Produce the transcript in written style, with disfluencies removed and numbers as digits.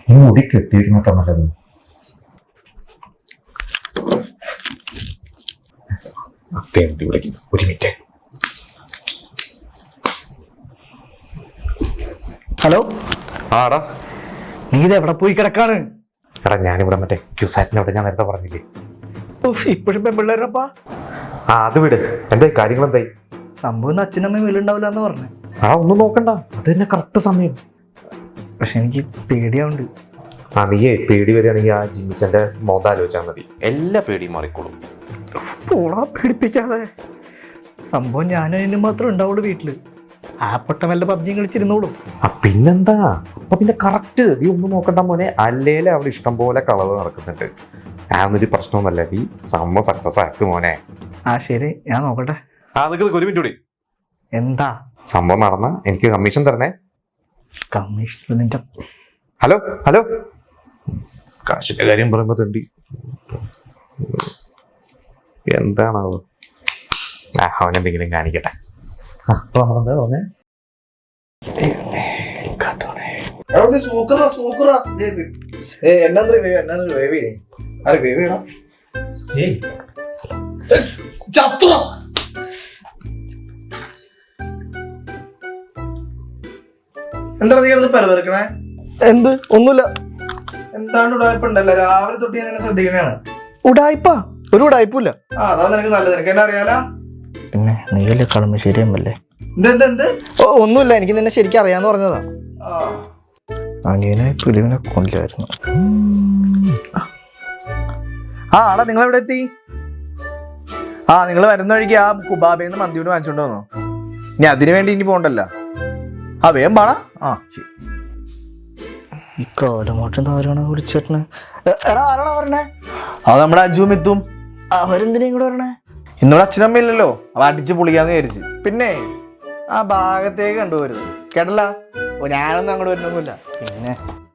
ഈ മുടി കെട്ടിയിരിക്കുന്നോ നല്ലത്. ഒരു മിനിറ്റ്. ഹലോ. ആടാ, നീ ഇത് എവിടെ പോയി കിടക്കാണ്? എടാ ഞാനിവിടെ മറ്റേ ക്യൂസാറ്റിനോട് ഞാൻ നേരത്തെ പറഞ്ഞില്ലേ, ഇപ്പോഴും പെൺപിള്ളേരപ്പാ. അത് വിട്. എന്തായി കാര്യങ്ങൾ? എന്തായി സംഭവം? അച്ഛനമ്മയും വീലുണ്ടാവില്ല എന്ന് പറഞ്ഞു. ഒന്നും നോക്കണ്ട, അത് തന്നെ കറക്റ്റ് സമയം. പക്ഷെ എനിക്ക് പേടിയാവുണ്ട്. നീയേ പേടി വരികയാണെങ്കിൽ ആ ജിമ്മിച്ചന്റെ മോത ആലോചിച്ചാൽ മതി, എല്ലാ പേടിയും മാറിക്കോളും. പോളാ, പേടിപ്പിക്കാതെ. സംഭവം ഞാനും അതിന് മാത്രമേ ഉണ്ടാവുള്ളൂ വീട്ടില്. ആ പൊട്ട വല്ല പബ്ജിയും കളിച്ചിരുന്നോളും. പിന്നെന്താ, അപ്പൊ പിന്നെ കറക്റ്റ്. നീ ഒന്നും നോക്കണ്ട മോനെ, അല്ലേലും അവിടെ ഇഷ്ടം പോലെ കളവ് നടക്കുന്നുണ്ട്. ഞാനൊരു പ്രശ്നമൊന്നുമല്ല, നീ സംഭവം സക്സസ് ആക്ക് മോനെ. ശരി, ഞാൻ നോക്കട്ടെ. ഒരു മിനിറ്റ് കൂടി. എന്താ സംഭവം നടന്ന എനിക്ക് കമ്മീഷൻ തരണേ. കമ്മീഷൻ? ഹലോ ഹലോ, കാശിന്റെ കാര്യം പറയുമ്പോ തണ്ടി എന്താണാവോ? അവനെന്തെങ്കിലും കാണിക്കട്ടെ. എന്താ നീ കിടന്ന് പരതിറക്കണേ? എന്ത്? ഒന്നുമില്ല. എന്താണ് ഉടായ്പുണ്ടല്ലോ, രാവിലെ തൊട്ട് ഞാൻ ശ്രദ്ധിക്കണേണ്. ഉടായ്പ? ഒരു ഉടായ്പൂല. അതാ നിനക്ക് നല്ലത്, നിനക്ക് എന്നെ അറിയാലോ. പിന്നെ നീയല്ലേ കളമശ്ശേരിയമ്മല്ലേ? എന്ത്? ഒന്നുമില്ല, എനിക്ക് നിന്നെ ശരിക്കും അറിയാന്ന് പറഞ്ഞതാ. അനിയനെ പിടിവിനെ കൊല്ലായിരുന്നു. ആടാ, നിങ്ങൾ എവിടെ എത്തി? നിങ്ങൾ വരുന്ന വഴിക്ക് ആ കുബാബേന്ന് മന്തിയോട് വാങ്ങിച്ചോണ്ട് വന്നോ. ഇനി അതിനു വേണ്ടി ഇനി പോണ്ടല്ലോ. വേഗം പാടാ. ശരി. ഈ കാലമാട്ടം ആരാണ് വിളിച്ചേട്ടനെ? എടാ, ആരാണോ പറഞ്ഞേ? അത് നമ്മുടെ അജുവും എത്തും. അവരെന്തിനേം കൂടെ പറഞ്ഞേ? ഇന്നിവിടെ അച്ഛനമ്മ ഇല്ലല്ലോ, അവ അടിച്ച് പൊളിക്കാന്ന് വിചാരിച്ച്. പിന്നെ ആ ഭാഗത്തേക്ക് കണ്ടുപോരുത് കേട്ടല്ല. ഞാനൊന്നും അങ്ങോട്ട് വരുന്നൊന്നുമില്ല. പിന്നെ